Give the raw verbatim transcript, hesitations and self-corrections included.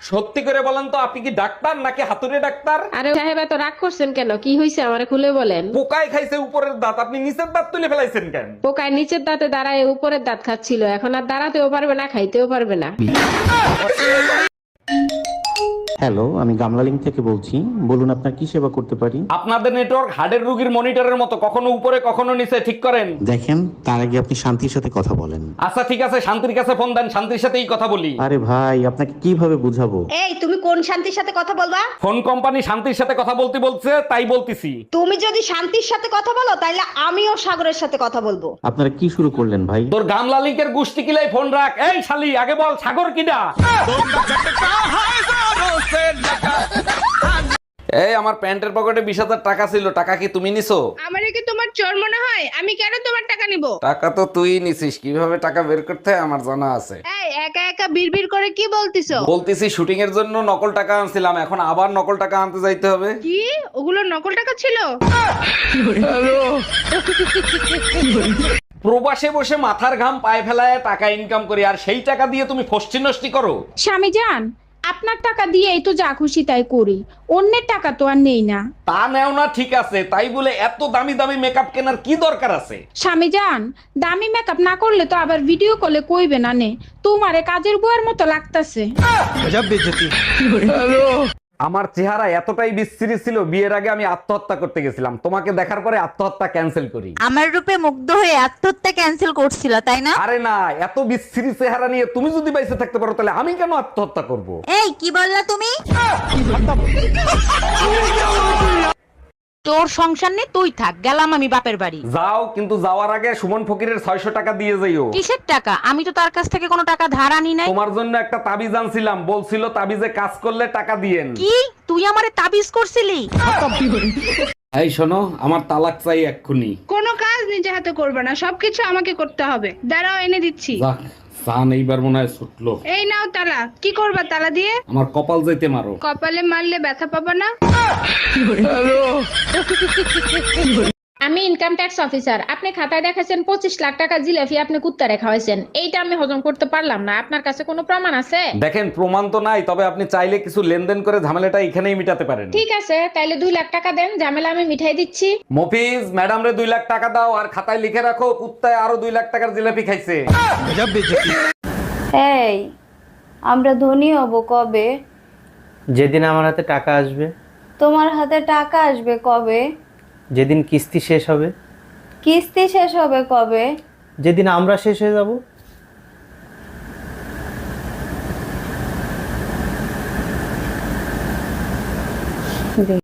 সত্যি করে বলেন তো, আপনি কি ডাক্তার নাকি হাতুড়ে ডাক্তার? আরে সাহেব এত রাগ করছেন কেন? কি হয়েছে আমারে খুলে বলেন। পোকায় খাইছে উপরের দাঁত, আপনি নিচের দাঁত তুলে ফেলাইছেন কেন? পোকায় নিচের দাঁতে দাঁড়ায় উপরের দাঁত খাচ্ছিল, এখন আর দাঁড়াতেও পারবে না, খাইতেও পারবে না। হ্যালো, আমি গামলালিং থেকে বলছি। বলুন আপনার কি সেবা করতে পারি? আপনাদের নেটওয়ার্ক হার্টের রোগীর মনিটরের মতো, কখনো উপরে কখনো নিচে, ঠিক করেন। দেখেন, তার আগে আপনি শান্তির সাথে কথা বলেন। আচ্ছা ঠিক আছে, শান্তির কাছে ফোন দেন, শান্তির সাথেই কথা বলি। আরে ভাই, আপনাকে কিভাবে বুঝাবো? এই তুমি কোন শান্তির সাথে কথা বলবা? ফোন কোম্পানি শান্তির সাথে কথা বলতে বলছে, তাই বলতিছি। তুমি যদি শান্তির সাথে কথা বলো তাহলে আমিও সাগরের সাথে কথা বলবো। আপনারা কি শুরু করলেন ভাই? তোর গামলা লিঙ্কের গুষ্টি কিলাই ফোন রাখ। এই শালি, আগে বল সাগর কিডা? এই আমার প্যান্টের পকেটে বিশ হাজার টাকা ছিল, টাকা কি তুমি নিছো? আমারে কি তোমার চোর মনে হয়? আমি কেন তোমার টাকা নিব? টাকা তো তুই নিছিস, কিভাবে টাকা বের করতে হয় আমার জানা আছে। এই একা একা বিড়বিড় করে কি বলতিছো? বলতেছি শুটিং এর জন্য নকল টাকা আনছিলাম, এখন আবার নকল টাকা আনতে যাইতে হবে। কি ওগুলো নকল টাকা ছিল? প্রবাসে বসে মাথার ঘাম পায়ে ফেলায় টাকা ইনকাম করি, আর সেই টাকা দিয়ে তুমি ফষ্টি নষ্টি করো। স্বামী যান, আপনার টাকা দিয়েই তো যা খুশি তাই করি, অন্যের টাকা তো আর নেই না। তা নেও না ঠিক আছে, তাই বলে এত দামি দামি মেকআপ কেনার কি দরকার আছে? স্বামী যান, দামি মেকআপ না করলে তো আবার ভিডিও কলে কইবে না নে, তোমারে কাজের বুয়ার মতো লাগতাছে। আমার চেহারা এতটাই বিশ্রী ছিল, বিয়ের আগে আমি আত্মহত্যা করতে গেছিলাম, তোমাকে দেখার পরে আত্মহত্যা ক্যান্সেল করি। আমার রূপে মুগ্ধ হয়ে আত্মহত্যা ক্যান্সেল করছিল তাই না? আরে না, এত বিশ্রী চেহারা নিয়ে তুমি যদি বাইসে থাকতে পারো তাহলে আমি কেন আত্মহত্যা করব? এই কি বললা তুমি? তোর সংসার নেই, তুই থাক, গেলাম আমি বাপের বাড়ি। যাও, কিন্তু যাওয়ার আগে সুমন ফকিরের ছয়শ টাকা দিয়ে যাইও। কিসের টাকা? আমি তো তার কাছ থেকে কোনো টাকা ধার আনি নাই। তোমার জন্য একটা তাবিজ আনছিলাম, বলছিল তাবিজে কাজ করলে টাকা দিয়েন। কি তুই আমারে তাবিজ করছিলি? এই শোনো, আমার তালাক চাই এক্ষুনি। কোনো কাজ নিজে হাতে করবে না, সবকিছু আমাকে করতে হবে। দাঁড়াও, এনে দিচ্ছি। যাক, সান এইবার মনে হয় ছুটলো। এই নাও তালা। কি করবা তালা দিয়ে? আমার কপাল যাইতে মারো। কপালে মারলে ব্যথা পাবা না? আমি ইনকাম ট্যাক্স অফিসার। আপনি খাতায় দেখাছেন পঁচিশ লাখ টাকা জিলাপি আপনি কুত্তা রেখা হয়েছেন, এইটা আমি হজম করতে পারলাম না। আপনার কাছে কোনো প্রমাণ আছে? দেখেন, প্রমাণ তো নাই, তবে আপনি চাইলে কিছু লেনদেন করে ঝামেলাটা এখানেই মিটাতে পারেন। ঠিক আছে, তাইলে দুই লাখ টাকা দেন, ঝামেলা আমি মিঠাই দিচ্ছি। মফিজ, ম্যাডাম রে দুই লাখ টাকা দাও, আর খাতায় লিখে রাখো কুত্তায় আরো দুই লাখ টাকার জিলাপি খাইছে। এই আমরা ধনী হব কবে? যেদিন আমার হাতে টাকা আসবে। তোমার হাতে টাকা আসবে কবে? যেদিন কিস্তি শেষ হবে। কিস্তি শেষ হবে কবে? যেদিন আমরা শেষ হয়ে যাব।